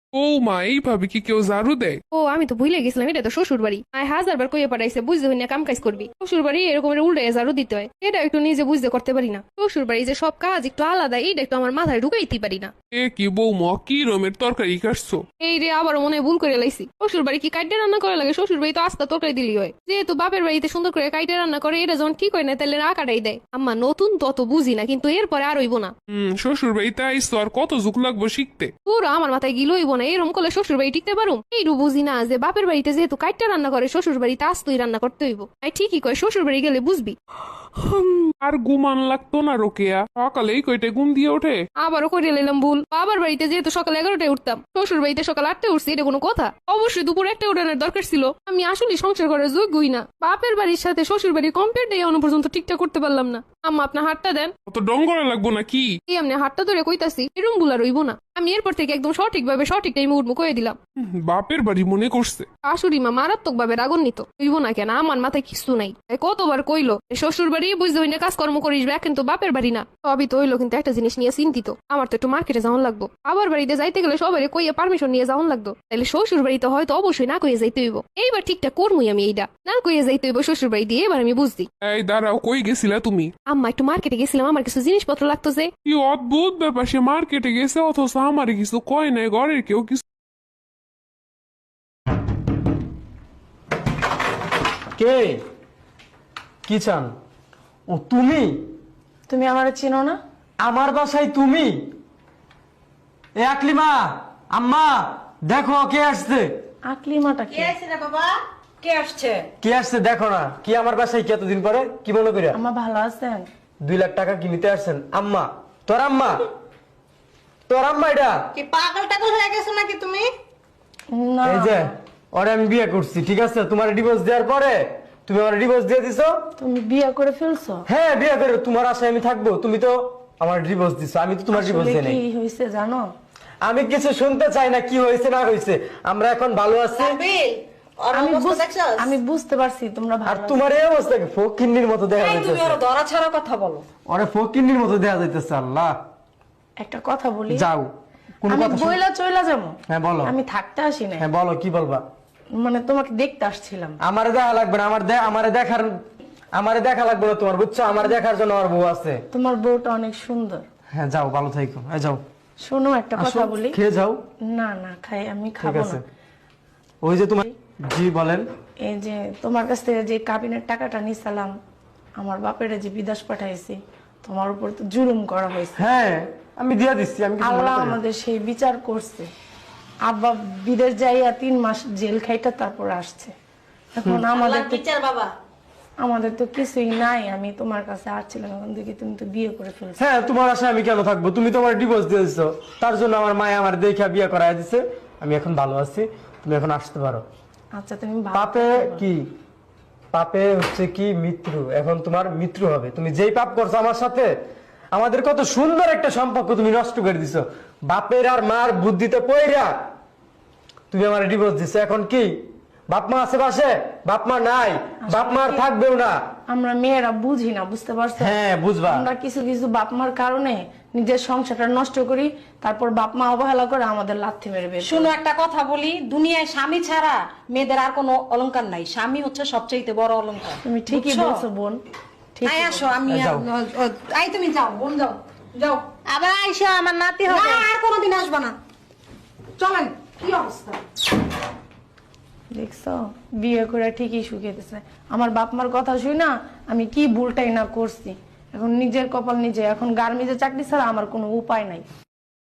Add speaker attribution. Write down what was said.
Speaker 1: ও মা, এইভাবে কি কেউ ঝাড়ু দেয়?
Speaker 2: ও আমি তো ভুলে গেছিলাম, এটা তো শ্বশুর বাড়ি। আয় 1000 বার কইয়ে পাঠাইছে বুঝতে হই না কাম কাজ করবি। শ্বশুর বাড়ি এরকম উল্টে ঝাড়ু দিতে হয়, এটা একটু নিজে বুঝতে করতে পারি না। শ্বশুর বাড়ি যে সব কাজ একটু আলাদা, এইটা একটু আমার মাথায় ঢুকাইতে পারি না।
Speaker 1: এ কি বৌমা, কি রমের তরকারি কাটছো?
Speaker 2: এই রে আবার মনে হয় ভুল করে লাইছি। শ্বশুর বাড়ি কি কাইটে রান্না করা লাগে? শ্বশুর বাড়ি তো আস্তা তরকারি দিলি হয়। যেহেতু বাপের বাড়িতে সুন্দর করে কাইটে রান্না করে, এটা যখন ঠিক হয় না তাহলে আকাটাই দেয়। আম্মা নতুন তত বুঝি না, কিন্তু এরপরে আর হইব না।
Speaker 1: শ্বশুর বাড়িতে আইসো, আর কত যুগ লাগবো শিখতে?
Speaker 2: পুরো আমার মাথায় গিলো হইব না, এরকম করলে শ্বশুর বাড়ি টিকতে পারুম? এইটু বুঝি না যে বাপের বাড়িতে যেহেতু কাইটটা রান্না করে, শ্বশুর বাড়িতে আস্তই রান্না করতে হইব। ঠিকই কয়, শ্বশুর বাড়ি গেলে বুঝবি।
Speaker 1: আর ঘুমান লাগতো না রোকেয়া? সকালে এই কয়টা ঘুম দিয়ে ওঠে?
Speaker 2: আবারও করে নিলাম ভুল। বাবার বাড়িতে যেহেতু সকাল 11টায় উঠতাম, শ্বশুর বাড়িতে সকাল 8টায় উঠছি, এটা কোনো কথা? অবশ্যই দুপুর 1টায় উঠানোর দরকার ছিল। আমি আসলে সংসার করার যোগ্যই না। বাপের বাড়ির সাথে শ্বশুর বাড়ির কম্পেয়ার দিয়ে এখনো পর্যন্ত ঠিকঠাক করতে পারলাম না। আম্মা আপনার হাতটা দেন।
Speaker 1: অত ডং করা লাগবো না কি?
Speaker 2: এই আপনি হাতটা ধরে কইতাছি, এরম ভুল আর হইব না। আমি এরপর থেকে একদম সঠিকভাবে সঠিক টাইমে উঠবো কয়ে দিলাম।
Speaker 1: বাপের বাড়ি মনে করছে।
Speaker 2: শাশুড়ি মা মারাত্মক ভাবে রাগান্বিত। হইব না কেন? আমার মাথায় কিছু নাই। কতবার কইলো শ্বশুর বাড়ি বুঝতে হই না কাজকর্ম করিস, কিন্তু বাপের বাড়ি না। সবই তো হইলো, কিন্তু একটা জিনিস নিয়ে চিন্তিত। আমার তো একটু মার্কেটে যাওয়ান লাগবো। আবার বাড়িতে যাইতে গেলে সবাই কইয়ে পারমিশন নিয়ে যাওয়ান লাগতো। তাহলে শ্বশুর বাড়িতে হয়তো অবশ্যই না কইয়ে যাইতে হইব। এইবার ঠিকঠাক করবই আমি, এইটা না কইয়ে যাইতে হইব শ্বশুর বাড়ি দিয়ে। এবার আমি বুঝছি।
Speaker 1: এই দাঁড়াও, কই গেছিলা তুমি?
Speaker 2: আম্মা একটু মার্কেটে গেছিলাম, আমার কিছু জিনিসপত্র লাগতো যে।
Speaker 1: কি অদ্ভুত ব্যাপার, সে মার্কেটে গেছে অথচ আমারে কিছু কয় নাই, ঘরের কেউ কিছু।
Speaker 3: কে? কি চান? ও তুমি?
Speaker 4: তুমি আমার চিনো না?
Speaker 3: আমার বাসায় তুমি? এ আকলিমা, আম্মা দেখো কে আসছে।
Speaker 4: আকলিমাটা
Speaker 5: কে
Speaker 4: কে?
Speaker 5: আসছে রে বাবা? কে আসছে?
Speaker 3: কে আসছে দেখো না। কি আমার বাসায় কি এতদিন পরে? কি মনে করিয়া?
Speaker 4: আম্মা ভালো আছেন?
Speaker 3: 2 লাখ টাকা কি নিতে আসছেন? আম্মা, তোর আম্মা? তোর আম্মা এটা?
Speaker 5: কি পাগল টাগল হয়ে গেছো নাকি তুমি?
Speaker 4: না
Speaker 3: এই যে ওরে আমি বিয়ে করছি, ঠিক আছে? তোমার ডিভোর্স দেওয়ার পরে তুমি আমার ডিভোর্স দিয়ে দিছো।
Speaker 4: তুমি বিয়ে করে ফেলছো?
Speaker 3: হ্যাঁ, বিয়ে করে তোমার আশায় আমি থাকবো? তুমি তো আমার ডিভোর্স দিছো, আমি তো তোমার ডিভোর্স
Speaker 4: আসলে
Speaker 3: দিই নাই।
Speaker 4: কি হয়েছে জানো?
Speaker 3: আমি কিছু শুনতে চাই না, কি হয়েছে না হয়েছে। আমরা এখন ভালো আছি।
Speaker 5: বিল আর
Speaker 4: আমি
Speaker 5: অবস্থা দেখছস?
Speaker 4: আমি বুঝতে পারছি তোমরা
Speaker 3: আর
Speaker 4: ভালো আছো।
Speaker 3: তোমার এই অবস্থা ফকিন্নির মতো দেখা
Speaker 5: এই তুমি
Speaker 3: যাইতেছে।
Speaker 5: ওর ধরা ছাড়া কথা বলো।
Speaker 3: ওরে ফকিন্নির মতো দেখা যাইতেছে। আল্লাহ,
Speaker 4: একটা কথা বলি?
Speaker 3: যাও। কোন
Speaker 4: আমি
Speaker 3: কথা শুন-
Speaker 4: বইলা চইলা যাবো।
Speaker 3: হ্যাঁ বলো।
Speaker 4: আমি থাকতে আসি না,
Speaker 3: হ্যাঁ বলো, কি বলবা?
Speaker 4: মানে তোমাকে দেখতে আসছিলাম।
Speaker 3: আমারে দেখা লাগবে না, আমারে দেখা লাগবে না তোমার, বুঝছো? আমার দেখার জন্য আমার বউ আছে।
Speaker 4: তোমার বউটা অনেক সুন্দর।
Speaker 3: হ্যাঁ যাও, ভালো থাইকো। হ্যাঁ যাও,
Speaker 4: শোনো একটা কথা
Speaker 3: আসো,
Speaker 4: বলি।
Speaker 3: খেয়ে যাও।
Speaker 4: না না খাই, আমি
Speaker 3: ঠিক
Speaker 4: খাবো
Speaker 3: আছে।
Speaker 4: না।
Speaker 3: ওই যে তোমার, জি বলেন।
Speaker 4: এই যে তোমার কাছ থেকে যে কাবিনের টাকাটা নিছিলাম, আমার বাপের যে বিদেশ পাঠাইছি, তোমার উপর তো জুলুম করা হয়েছে।
Speaker 3: হ্যাঁ আমি দিয়া দিচ্ছি, আমি কিছু মনে
Speaker 4: আল্লাহ
Speaker 3: করি না।
Speaker 4: আমাদের সেই বিচার করছে। আব্বা বিদেশ যাইয়া 3 মাস জেল খাইটা তারপর আসছে। এখন
Speaker 5: আল্লাহর বিচার বাবা।
Speaker 4: আমাদের তো কিছুই নাই। আমি তোমার কাছে আসছিলাম, এখন দেখি তুমি তো বিয়ে করে ফেলছো।
Speaker 3: হ্যাঁ, তোমার আশায় আমি কেন থাকবো? তুমি তোমার ডিভোর্স দিয়ে দিছো, তার জন্য আমার মায়ে আমার দেখে বিয়ে করাই দিছে। আমি এখন ভালো আছি, তুমি এখন আসতে পারো।
Speaker 4: আচ্ছা তুমি ভালো
Speaker 3: পাপে
Speaker 4: থাকো।
Speaker 3: কি? পাপে হচ্ছে কি মৃত্যু। এখন তোমার মৃত্যু হবে। তুমি যেই পাপ করছো আমার সাথে, আমাদের কত সুন্দর একটা সম্পর্ক তুমি নষ্ট করে দিছো। বাপের আর মার বুদ্ধিতে পয়রা তুমি আমার ডিভোর্স দিছো। এখন কি বাপ মা আছে পাশে? বাপ মা নাই, বাপ মা আর থাকবেও না।
Speaker 4: আমরা মেয়েরা বুঝি না, বুঝতে পারছো?
Speaker 3: হ্যাঁ বুঝবা।
Speaker 4: আমরা কিছু কিছু বাপ মার কারণে নিজের সংসারটা নষ্ট করি, তারপর বাপ মা অবহেলা করে আমাদের লাথি মেরে বের করে।
Speaker 5: শুনো একটা কথা বলি, দুনিয়ায় স্বামী ছাড়া মেয়েদের আর কোনো অলংকার নাই। স্বামী হচ্ছে সবচেয়ে বড় অলংকার।
Speaker 4: তুমি ঠিকই
Speaker 5: বুঝছো?
Speaker 4: বলছো বোন, ঠিক।
Speaker 5: আয় আসো, আমি
Speaker 3: যাও।
Speaker 5: আই তুমি যাও বোন, যাও যাও।
Speaker 6: আবার আইসো, আমার নাতি
Speaker 5: না
Speaker 6: হবে।
Speaker 5: আর কোনোদিন আসবা না। চলেন। কি অবস্থা?
Speaker 4: দেখছো, বিয়ে করে ঠিকই শুকিয়েছে। আমার বাপ মার কথা শুই না, আমি কি ভুলটাই না করছি। এখন নিজের কপাল নিজে। এখন গার্মেন্টসে চাকরি ছাড়া আমার কোনো উপায় নাই।